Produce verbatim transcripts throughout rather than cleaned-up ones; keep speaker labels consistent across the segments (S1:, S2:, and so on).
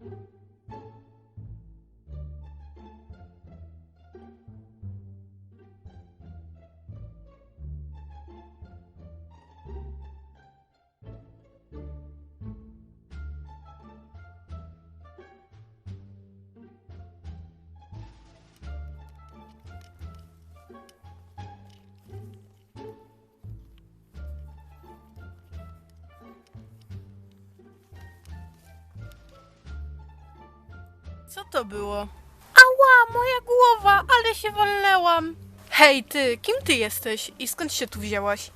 S1: Co to było? Ała, moja głowa, ale się walnęłam. Hej ty, kim ty jesteś i skąd się tu wzięłaś?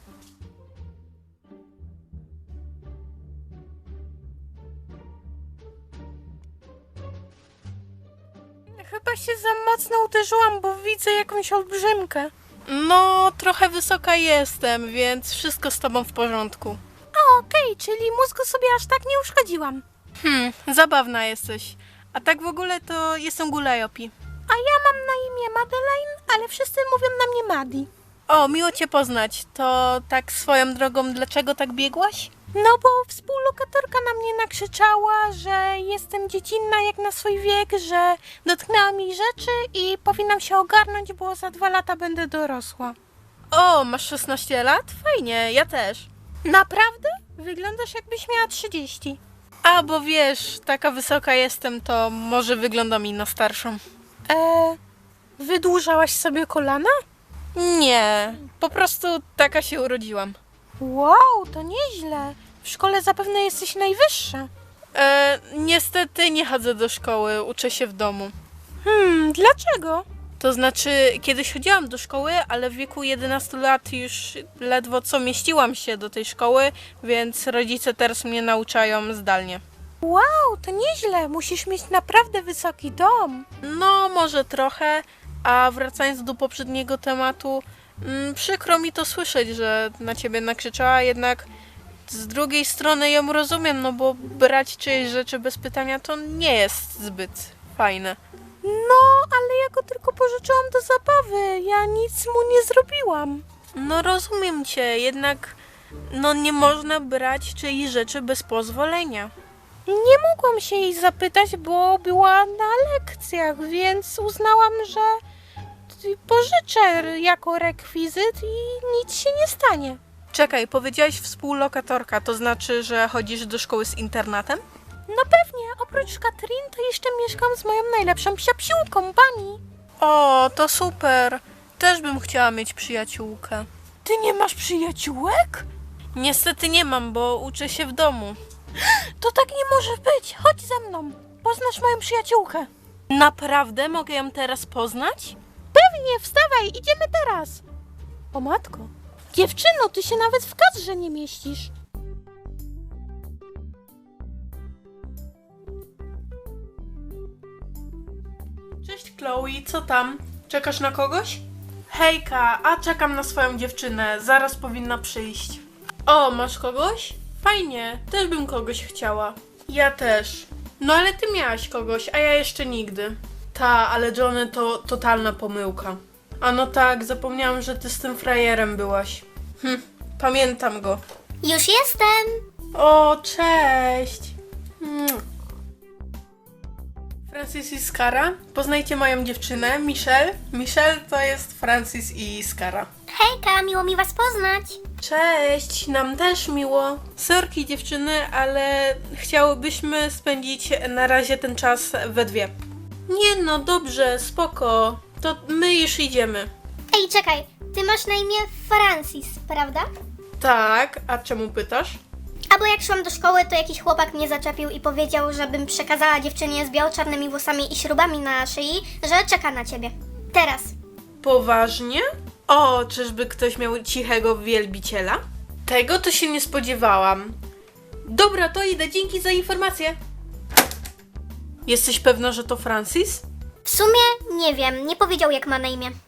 S1: Chyba się za mocno uderzyłam, bo widzę jakąś olbrzymkę. No, trochę wysoka jestem, więc wszystko z tobą w porządku. A okej, okay, czyli mózgu sobie aż tak nie uszkodziłam. Hmm, zabawna jesteś. A tak w ogóle to jestem Gulajopi. A ja mam na imię Madeleine, ale wszyscy mówią na mnie Madi. O, miło cię poznać. To tak swoją drogą, dlaczego tak biegłaś? No bo współlokatorka na mnie nakrzyczała, że jestem dziecinna jak na swój wiek, że dotknęła mi rzeczy i powinnam się ogarnąć, bo za dwa lata będę dorosła. O, masz szesnaście lat? Fajnie, ja też. Naprawdę? Wyglądasz jakbyś miała trzydzieści. A, bo wiesz, taka wysoka jestem, to może wygląda mi na starszą. Eee, wydłużałaś sobie kolana? Nie, po prostu taka się urodziłam. Wow, to nieźle. W szkole zapewne jesteś najwyższa. Eee, niestety nie chodzę do szkoły, uczę się w domu. Hmm, dlaczego? To znaczy, kiedyś chodziłam do szkoły, ale w wieku jedenastu lat już ledwo co mieściłam się do tej szkoły, więc rodzice teraz mnie nauczają zdalnie. Wow, to nieźle. Musisz mieć naprawdę wysoki dom. No, może trochę. A wracając do poprzedniego tematu, mm, przykro mi to słyszeć, że na ciebie nakrzyczała, jednak z drugiej strony ją rozumiem, no bo brać czyjeś rzeczy bez pytania to nie jest zbyt fajne. No, ale ja go tylko pożyczyłam do zabawy. Ja nic mu nie zrobiłam. No rozumiem cię, jednak no nie można brać czyjejś rzeczy bez pozwolenia. Nie mogłam się jej zapytać, bo była na lekcjach, więc uznałam, że pożyczę jako rekwizyt i nic się nie stanie. Czekaj, powiedziałaś współlokatorka, to znaczy, że chodzisz do szkoły z internatem? No pewnie, oprócz Katrin to jeszcze mieszkam z moją najlepszą psiapsiłką, Bunny. O, to super. Też bym chciała mieć przyjaciółkę. Ty nie masz przyjaciółek? Niestety nie mam, bo uczę się w domu. To tak nie może być. Chodź ze mną. Poznasz moją przyjaciółkę. Naprawdę? Mogę ją teraz poznać? Pewnie, wstawaj, idziemy teraz. O matko. Dziewczyno, ty się nawet w kadrze nie mieścisz. Cześć Chloe, co tam? Czekasz na kogoś? Hejka, a czekam na swoją dziewczynę, zaraz powinna przyjść. O, masz kogoś? Fajnie, też bym kogoś chciała. Ja też. No ale ty miałaś kogoś, a ja jeszcze nigdy. Ta, ale Johnny to totalna pomyłka. A no tak, zapomniałam, że ty z tym frajerem byłaś. Hm, pamiętam go.
S2: Już jestem!
S1: O, cześć! Mm. Francis i Skara. Poznajcie moją dziewczynę, Michelle. Michelle to jest Francis i Skara.
S2: Hejka, miło mi was poznać!
S1: Cześć, nam też miło. Sorki dziewczyny, ale chciałybyśmy spędzić na razie ten czas we dwie. Nie no, dobrze, spoko. To my już idziemy.
S2: Ej, czekaj, ty masz na imię Francis, prawda?
S1: Tak, a czemu pytasz?
S2: Albo jak szłam do szkoły, to jakiś chłopak mnie zaczepił i powiedział, żebym przekazała dziewczynie z biało-czarnymi włosami i śrubami na szyi, że czeka na ciebie. Teraz.
S1: Poważnie? O, czyżby ktoś miał cichego wielbiciela? Tego to się nie spodziewałam. Dobra, to idę, dzięki za informację. Jesteś pewna, że to Francis?
S2: W sumie nie wiem, nie powiedział jak ma na imię.